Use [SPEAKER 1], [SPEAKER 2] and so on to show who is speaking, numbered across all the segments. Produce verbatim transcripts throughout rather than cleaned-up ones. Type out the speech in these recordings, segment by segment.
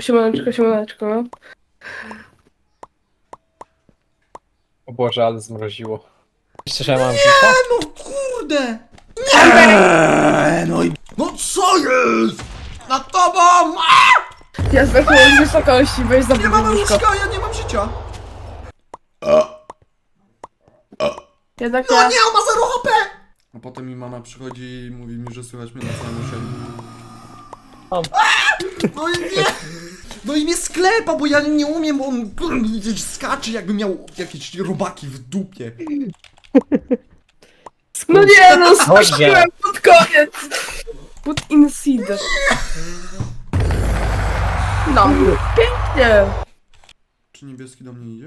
[SPEAKER 1] Siemaneczko, siemaneczko.
[SPEAKER 2] O Boże, ale zmroziło.
[SPEAKER 3] Jeszcze, że mam
[SPEAKER 4] Nie,
[SPEAKER 3] życia?
[SPEAKER 4] no kurde! Nie, no i... No co jest? Nad tobą! A!
[SPEAKER 1] Ja zdechłem z wysokości, weź za
[SPEAKER 4] Nie mam
[SPEAKER 1] łóżko.
[SPEAKER 4] łóżka, ja nie mam życia!
[SPEAKER 1] Jednak
[SPEAKER 4] No
[SPEAKER 1] ja...
[SPEAKER 4] nie, on ma zero H P! A potem mi mama przychodzi i mówi mi, że słychać mnie na całym osiedlu.
[SPEAKER 3] Mam.
[SPEAKER 4] No i nie! No i mnie sklepa, bo ja nie umiem, bo on skacze, jakby miał jakieś robaki w dupie.
[SPEAKER 1] No nie, no skoczyłem pod koniec. Put in seed. No, pięknie.
[SPEAKER 4] Czy niebieski do mnie idzie?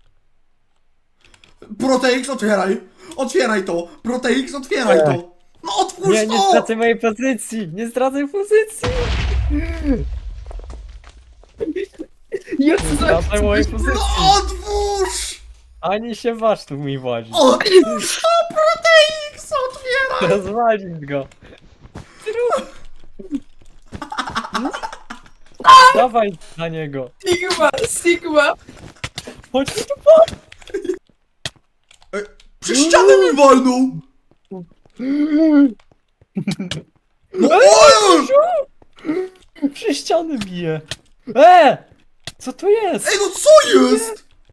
[SPEAKER 4] Proteix, otwieraj! Otwieraj to! Proteix, otwieraj
[SPEAKER 3] Nie.
[SPEAKER 4] to! No otwórz
[SPEAKER 3] Nie, nie
[SPEAKER 4] to!
[SPEAKER 3] stracę mojej pozycji! Nie stracę pozycji!
[SPEAKER 1] Ja
[SPEAKER 3] Nie stracę mojej pozycji!
[SPEAKER 4] No otwórz!
[SPEAKER 3] Ani się waż tu mi włazi.
[SPEAKER 4] Otwórz! O, Proteix, otwieraj!
[SPEAKER 3] Rozwalić go! Dawaj na niego!
[SPEAKER 1] Sigma, Sigma.
[SPEAKER 3] Chodź tu!
[SPEAKER 4] Przy ścianę mi walnął! No oj!
[SPEAKER 3] Przy ściany bije! E! Co to jest?
[SPEAKER 4] Ej, no co jest?